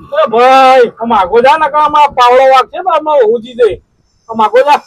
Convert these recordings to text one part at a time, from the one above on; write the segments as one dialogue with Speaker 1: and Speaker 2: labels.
Speaker 1: ભાઈ આમ આગો જા ને આમાં પાવડો વાગ છે તો આમાં ઉજી દે આમ આગો જા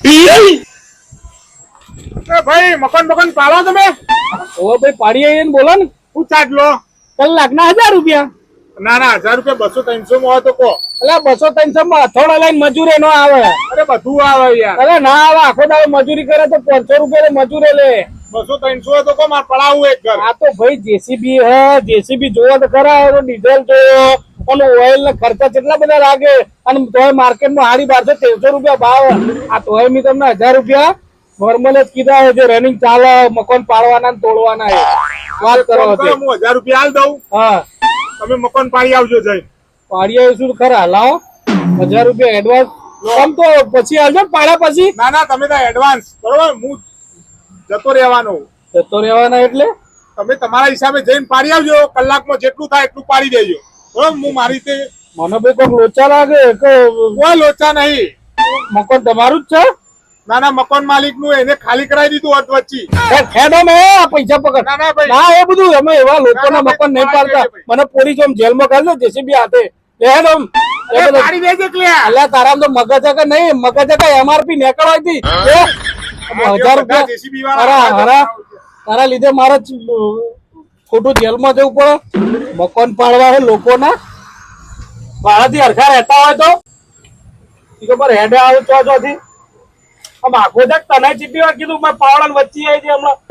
Speaker 2: ભાઈ મકાન પાડો તમે?
Speaker 1: ઓ ભાઈ પાડી આવીએ ને બોલો ને
Speaker 2: શું ચાર્જ લો?
Speaker 1: કલાકના 1000 રૂપિયા.
Speaker 2: ના 1000 રૂપિયા 200-300 માં હોય તો કહો.
Speaker 1: એટલે 200-300 માં હથોડા લઈને મજૂરી નો આવે.
Speaker 2: અરે બધું આવે યાર.
Speaker 1: અરે ના આવે, આખો દાડો મજૂરી કરે તો 500 રૂપિયા મજૂરી લે.
Speaker 2: 200-300 હોય તો કહો, મારે પડાવવું એક ઘર.
Speaker 1: આ તો ભાઈ જેસીબી હે, જેસીબી જોવો તો ખરા, ડીઝલ જોવો અને ઓઇલ ને ખર્ચા કેટલા બધા લાગે. અને તોય માર્કેટમાં હાડી 1200-1300 રૂપિયા ભાવ. આ તોય મેં તમને 1000 રૂપિયા નોર્મલ જ કીધા જે રનિંગ ચાલે મકાન પાડવાના ને તોડવાના વાત કરો.
Speaker 2: હું 1000 રૂપિયા આલ દઉં.
Speaker 1: હા
Speaker 2: તમે મકાન પાડી આવજો જઈ.
Speaker 1: પાડી આવીશું ખરા. લાવો 1000 રૂપિયા એડવાન્સ આમ તો પછી આવજો પાડ્યા પછી.
Speaker 2: ના તમે તો એડવાન્સ બરોબર, હું જતો રહેવાનો.
Speaker 1: જતો રહેવાના એટલે
Speaker 2: તમે તમારા હિસાબે જઈને પાડી આવજો. કલાકમાં જેટલું થાય એટલું પાડી દેજો બરોબર. હું મારી રીતે
Speaker 1: મને ભાઈ કોઈ લોચા લાગે કે
Speaker 2: કોઈ લોચા નહીં.
Speaker 1: મકાન તમારું જ છે?
Speaker 2: ના મકાન માલિક નું એને ખાલી કરાવી દીધું અધ વચ્ચે.
Speaker 1: ખેડો મેં પૈસા પકડ.
Speaker 2: ના ભાઈ
Speaker 1: ના એ બધું અમે એવા લોકોના મકાન નહીં પાડતા. મને પોલીસ આમ જેલમાં કાઢો જેસીબી હાથે
Speaker 2: પાડી દેજે ક્લિયર.
Speaker 1: અલ્યા તારા તો મગજ કે નહીં, મગજ કે એમઆરપી નીકળવાય હતી 1000 રૂપિયા તારા લીધે મારે ખોટું જેલમાં જવું પડે. મકાન પાડવા હે લોકોના ભાડાથી હરખા રહેતા હોય તો ખબર હેડે આવે ચોથી આમ આખો જાક તને ચીપી વાર કીધું મેં પાવડા વચ્ચે આવી છે હમણાં.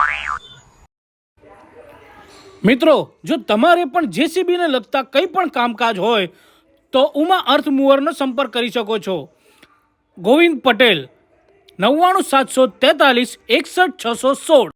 Speaker 3: મિત્રો, જો તમારે પણ જેસીબીને લગતા કંઈ પણ કામકાજ હોય તો ઉમા અર્થ મૂવરનો સંપર્ક કરી શકો છો. ગોવિંદ પટેલ 99 743 61 616.